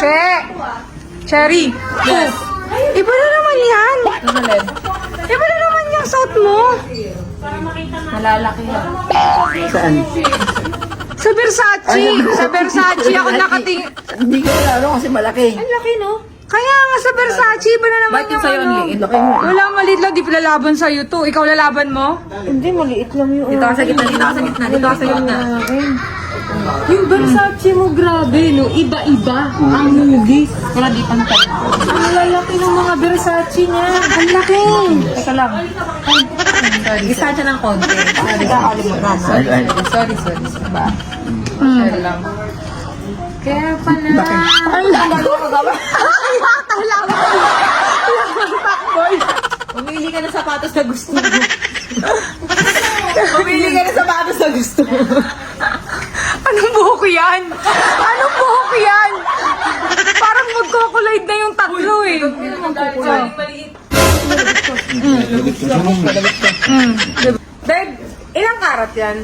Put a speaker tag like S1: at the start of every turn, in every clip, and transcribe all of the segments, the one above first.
S1: Che! Cherry!
S2: Yes.
S1: Iba na naman yan!
S2: Ano len?
S1: Iba na naman yung suot mo!
S2: Malalaki yan.
S3: Saan?
S1: Sa Versace! Sa Versace ako nakatingin.
S3: Hindi ko lalo kasi malaki.
S1: Ang laki, no? Kaya nga sa Versace, iba na naman
S2: Bakit yung sa'yo ang liit?
S3: Laki mo.
S1: Wala, maliit lang. Di lalaban sa'yo to. Ikaw lalaban mo?
S3: Hindi, maliit lang yun.
S2: Dito ka sa gitna, dito ka sa gitna, dito ka sa gitna.
S1: Yung Versace mo, grabe, no? Iba-iba. Ang nugis.
S2: Wala di pa natin.
S1: Ang lalaki ng mga Versace niya. Ang laki.
S2: Teka lang. Isa siya ng konti. Sorry, sorry. Ba? Share lang.
S1: Kaya pala. Ay,
S2: Pumili ka ng sapatos na gusto mo. Pumili ka ng sapatos na gusto mo.
S1: Anong buhok yan? Anong buhok yan? Parang magkukuloid na yung tatlo eh.
S2: Babe, ilang karat yan?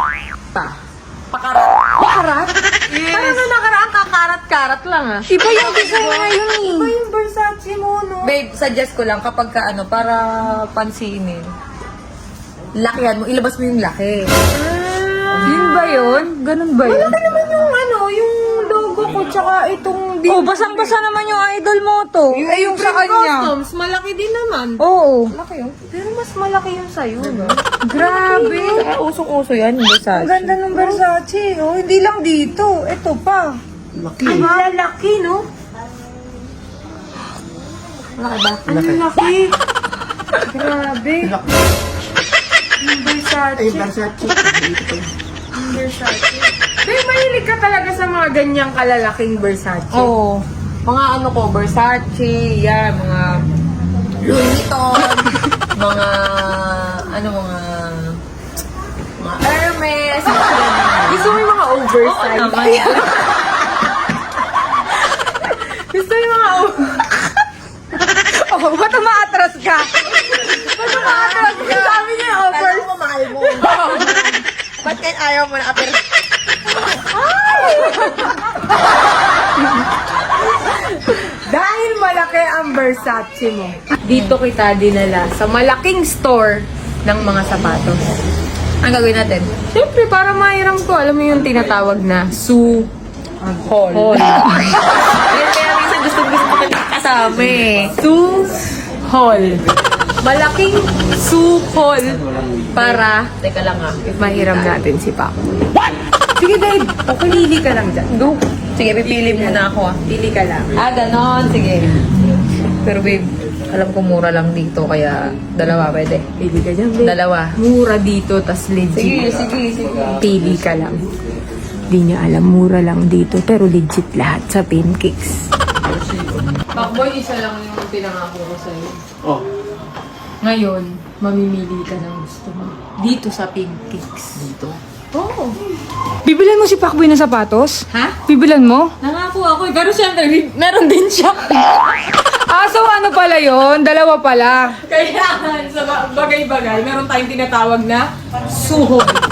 S1: Karat?
S2: Paano na nakaraan kakarat-karat lang ah?
S1: Iba yung design ngayon eh.
S2: Iba yung Versace mo, no? Babe, suggest ko lang kapag ka ano, para pansinin. Lakihan mo, ilabas mo yung laki.
S1: Yun ba yun? Ganun ba yun?
S2: Malaki naman yung ano, yung logo ko tsaka itong...
S1: Oh, basang-basa naman yung idol mo to. Eh, yung sa kanya.
S2: Customs, malaki din naman.
S1: Oo.
S2: Malaki yun. Pero mas malaki yung sa'yo, no?
S1: Grabe.
S2: Saka usong-uso yan, yung Versace.
S1: Ang ganda ng Versace. Oh, hindi lang dito. Ito pa.
S3: Laki.
S2: Ang lalaki, no? Malaki ba?
S1: Ang laki. Grabe. Yung Versace.
S3: Ay, Versace. Dito pa yun.
S1: Versace. Pero mahilig ka talaga sa mga ganyang kalalaking Versace.
S2: Oo. Mga ano ko, Versace, yan, mga Louis Vuitton, mga, ano, mga Hermes, mga ganyan.
S1: Gusto mo yung mga oversize?
S2: Oo naman.
S1: Gusto mo yung mga Oh, ba't umaatras ka? Ba't umaatras ka? Sabi niya yung
S2: Pero mo, mahal mo. Ba't kayo ayaw mo na apir?
S1: Dahil malaki ang Versace mo, dito kita dinala sa malaking store ng mga sapatos.
S2: Ang gagawin natin?
S1: Siyempre, para mairam ko, alam mo yung tinatawag na Su
S2: Hall. Ayun, kaya minsan gusto ko kasama eh.
S1: Su Hall. Malaking Su Hall para
S2: Teka lang ah.
S1: mahiram natin si Paco. Sige, Dave. Pili ka lang dyan. Go.
S2: Sige, pipili muna ako ah.
S1: Pili ka lang.
S2: Ah, ganon. Sige. Pero babe, alam ko mura lang dito, kaya dalawa pwede.
S1: Pili ka dyan, babe.
S2: Dalawa.
S1: Mura dito, tas legit.
S2: Sige.
S1: Pili ka lang. Di niya alam, mura lang dito, pero legit lahat sa pancakes. Pakboy, isa lang yung pinangako ko sa'yo.
S3: Oh.
S1: Ngayon, mamimili ka ng gusto mo. Dito sa pancakes.
S3: Dito.
S1: Oo. Bibilan mo si Pakboy ng sapatos?
S2: Ha?
S1: Bibilan mo?
S2: Nangako ako eh. Pero syempre, meron din siya.
S1: Ah, so ano pala yon? Dalawa pala.
S2: Kaya sa bagay-bagay, meron tayong tinatawag na suho.